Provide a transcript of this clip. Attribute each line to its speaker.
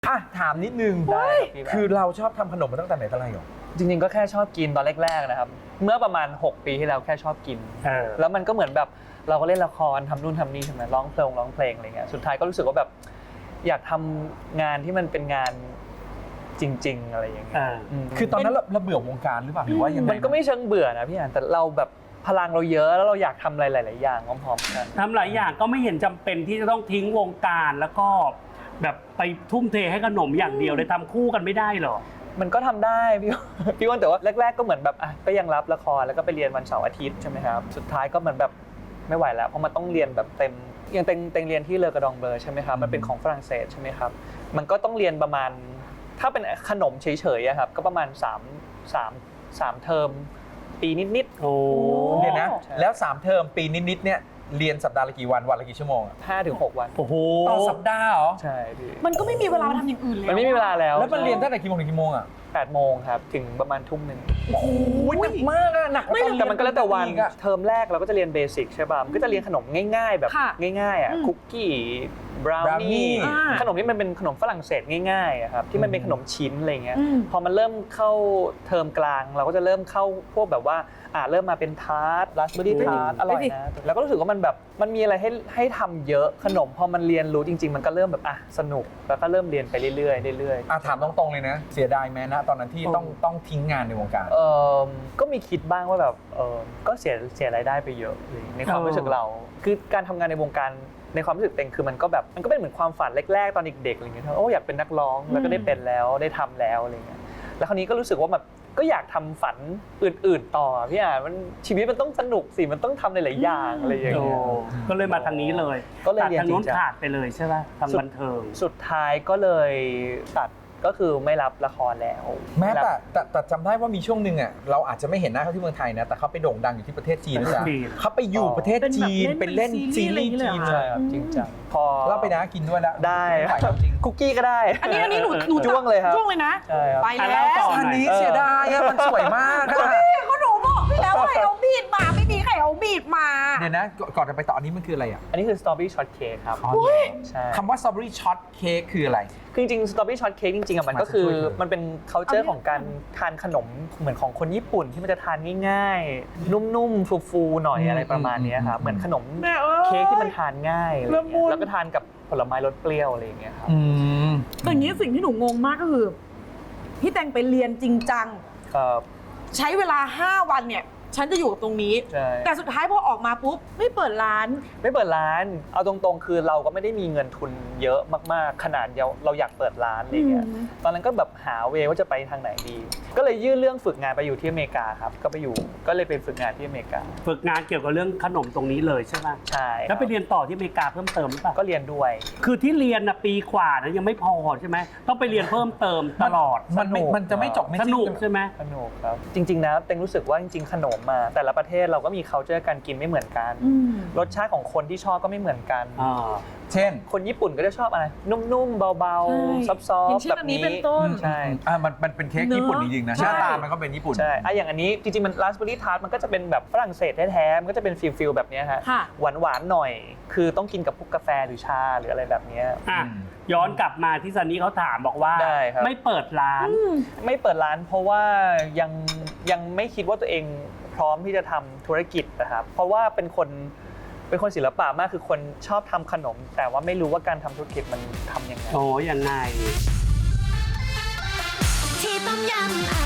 Speaker 1: ถามนิดนึงคือเราชอบทำขนมมาตั้งแต่ไหนแต่ไรหรอ
Speaker 2: จริงๆก็แค่ชอบกินตอนแรกๆนะครับเมื่อประมาณ6 ปีที่แล้วแค่ชอบกินแล้วมันก็เหมือนแบบเราก็เล่นละครทำนู่นทำนี่ใช่ไหมร้องเพลงอะไรเงี้ยสุดท้ายก็รู้สึกว่าแบบอยากทำงานที่มันเป็นงานจริงๆอะไรอย่างเงี้ย
Speaker 1: คือตอนนั้นเราเบื่อวงการหรือเปล่าหรือว่ายังไง
Speaker 2: มันก็ไม่เชิงเบื่อนะพี่อ่านแต่เราแบบพลังเราเยอะแล้วเราอยากทำอะไรหลายๆอย่างพร้อมๆกัน
Speaker 3: ทำหลายอย่างก็ไม่เห็นจำเป็นที่จะต้องทิ้งวงการแล้วก็แบบไปทุ่มเทให้ขนมอย่างเดียวเลยทำคู่กันไม่ได้หรอ
Speaker 2: มันก็ทำได้พี่ว่าแต่ว่าแรกๆก็เหมือนแบบก็ยังรับละครแล้วก็ไปเรียนวันเสาร์อาทิตย์ใช่ไหมครับสุดท้ายก็เหมือนแบบไม่ไหวแล้วเพราะมันต้องเรียนแบบเต็มอย่างเต็งเรียนที่เลอกระดองเบลอใช่ไหมครับมันเป็นของฝรั่งเศสใช่ไหมครับมันก็ต้องเรียนประมาณถ้าเป็นขนมเฉยๆครับก็ประมาณ3เทอมปีนิดๆ
Speaker 3: โอ้
Speaker 1: เรียนนะแล้ว3เทอมปีนิดๆเนี่ยเรียนสัปดาห์ละกี่วันละกี่ชั่วโมง
Speaker 2: 5 ถึง 6 วัน
Speaker 3: โอ้โห
Speaker 1: ต่อสัปดาห์เหรอ
Speaker 2: ใช่พี่
Speaker 4: มันก็ไม่มีเวลาทำอย่างอื่นเลย
Speaker 2: มันไม่มีเวลาแล้ว
Speaker 1: มันเรียนตั้งแต่กี่โมงถึงกี่โมง
Speaker 2: 8 โมงครับถึงประมาณทุ่ม 1
Speaker 1: โอ้โหหนักมากหนัก
Speaker 2: แต่มันก็แล้วแต่วันเทอมแรกเราก็จะเรียนเบสิกใช่ป่ะมันก็จะเรียนขนมง่ายๆแบบง่ายๆคุกกี้บราวนี่ขนมที่มันเป็นขนมฝรั่งเศสง่ายๆครับที่มันเป็นขนมชิ้นอะไรเงี้ยพอมันเริ่มเข้าเทอมกลางเราก็จะเริ่มเข้าพวกแบบว่าเริ่มมาเป็นทาร์ตราสเบอร์รี่ทาร์ตอร่อยนะแล้วก็รู้สึกว่ามันแบบมันมีอะไรให้ทำเยอะขนมพอมันเรียนรู้จริงๆมันก็เริ่มแบบสนุกแล้วก็เริ่มเรียนไปเรื่อย
Speaker 1: ถามตรงๆเลยนะเสียดายไหมนะตอนนั้นที่ต้องทิ้งงานในวงการ
Speaker 2: ก็มีคิดบ้างว่าแบบก็เสียรายได้ไปเยอะในความรู้สึกเราคือการทำงานในวงการในความรู้สึกเต็งคือมันก็เป็นเหมือนความฝันแรกๆตอนเด็กๆอะไรเงี้ยอยากเป็นนักร้องแล้วก็ได้เป็นแล้วได้ทำแล้วอะไรเงี้ยแล้วคราวนี้ก็รู้สึกว่าแบบก็อยากทำฝันอื่นๆต่อพี่มันชีวิตมันต้องสนุกสิมันต้องทำหลายๆอย่างอะไรอย่างเงี้ย
Speaker 3: ก็เลยมาทางนี้เลย
Speaker 2: ก็เลย
Speaker 3: ตัดทางนู้นขาดไปเลยใช่ไหมทางบันเทิง
Speaker 2: สุดท้ายก็เลยตัดก็คือไม่รับละครแล้ว
Speaker 1: แม้แต่จำได้ว่ามีช่วงหนึ่งเราอาจจะไม่เห็นหน้าเขาที่เมืองไทยนะแต่เขาไปโด่งดังอยู่ที่ประเทศจีนด้วยนะเขาไปอยู่ประเทศจีนเป็นเล่นซีรีส์จีน
Speaker 2: ใช่ครับจริงจังพอ
Speaker 1: เราไปนะกินด้วยแล้ว
Speaker 2: ได้คุกกี้ก็ได้
Speaker 4: อันนี้หนู
Speaker 2: จ้วงเลยครับ
Speaker 4: จ้วงเลยนะ
Speaker 2: ไป
Speaker 4: แล้ว
Speaker 1: อันนี้เสียดายมันสวยมาก
Speaker 4: ก็หนูบอกพี่แล้วไข่เอาบีดมาไม่มีไข่เอาบีดมา
Speaker 1: เดี๋ยวนะก่อนจะไปต่ออันนี้มันคืออะไร
Speaker 2: อันนี้คือสตรอเบอรี่ช็อตเค้กครับ
Speaker 1: ใช่คำว่าสตรอเบอรี่ช็อตเค้กคืออะไร
Speaker 2: คือจริงๆสตรอเบอรี่ช็อตเค้กจริงๆมันก็คือมันเป็น culture ของการทานขนมเหมือนของคนญี่ปุ่นที่มันจะทานง่ายๆนุ่มๆฟูๆหน่อยอะไรประมาณนี้ครับเหมือนขนมเค้กที่มันทานง่ายแล้วก็ทานกับผลไม้รสเปรี้ยวอะไรอย่างเงี้ยครับ
Speaker 4: แต่อย่างนี้สิ่งที่หนูงงมากก็คือพี่แตงไปเรียนจริงจังใช้เวลา5 วันเนี่ยฉันจะอยู่กับตรงนี้แต่สุดท้ายพอออกมาปุ๊บไม่เปิดร้าน
Speaker 2: เอาตรงๆคือเราก็ไม่ได้มีเงินทุนเยอะมากๆขนาดเราอยากเปิดร้านอะไรเงี้ยตอนนั้นก็แบบหาเวว่าจะไปทางไหนดีก็เลยยื่นเรื่องฝึกงานไปอยู่ที่อเมริกาครับก็เลยไปฝึกงานที่อเมริกา
Speaker 3: ฝึกงานเกี่ยวกับเรื่องขนมตรงนี้เลยใช่ไหม
Speaker 2: ใช่
Speaker 3: แล้วไปเรียนต่อที่อเมริกาเพิ่มเติมหรือเปล่า
Speaker 2: ก็เรียนด้วย
Speaker 3: คือที่เรียนปีกว่านะยังไม่พอใช่ไหมต้องไปเรียนเพิ่มเติมตลอด
Speaker 1: มันจะไม่จบไม่
Speaker 3: สนุกใช่ไหม
Speaker 2: สนุกครับจริงๆนะเต็งรู้สึกว่าจริงๆขนมมาแต่ละประเทศเราก็มี culture การกินไม่เหมือนกันรสชาติของคนที่ชอบก็ไม่เหมือนกัน
Speaker 1: เช่น
Speaker 2: คนญี่ปุ่นก็จะชอบอะไรนุ่มๆเบาๆซอฟต์ๆแบบนี้
Speaker 4: เป็นต้น
Speaker 2: ใช่
Speaker 1: มันเป็นเค้กญี่ปุ่นจริงๆนะหน้าตามันก็เป็นญี่ปุ่น
Speaker 2: ใช่อย่างอันนี้จริงๆมันราสเบอร์รี่ทาร์ตมันก็จะเป็นแบบฝรั่งเศสแท้ๆมันก็จะเป็นฟิลแบบนี้ฮะหวานๆหน่อยคือต้องกินกับพวกกาแฟหรือชาหรืออะไรแบบนี้
Speaker 3: ย้อนกลับมาที่ซันนี่เขาถามบอกว่าไม่เปิดร้าน
Speaker 2: เพราะว่ายังไม่คิดว่าตัวเองพร้อมที่จะทำธุรกิจนะครับเพราะว่าเป็นคนศิลปะมากคือคนชอบทำขนมแต่ว่าไม่รู้ว่าการทำธุรกิจมันทำยังไง
Speaker 3: ยังไง
Speaker 5: ที่ต้มยำ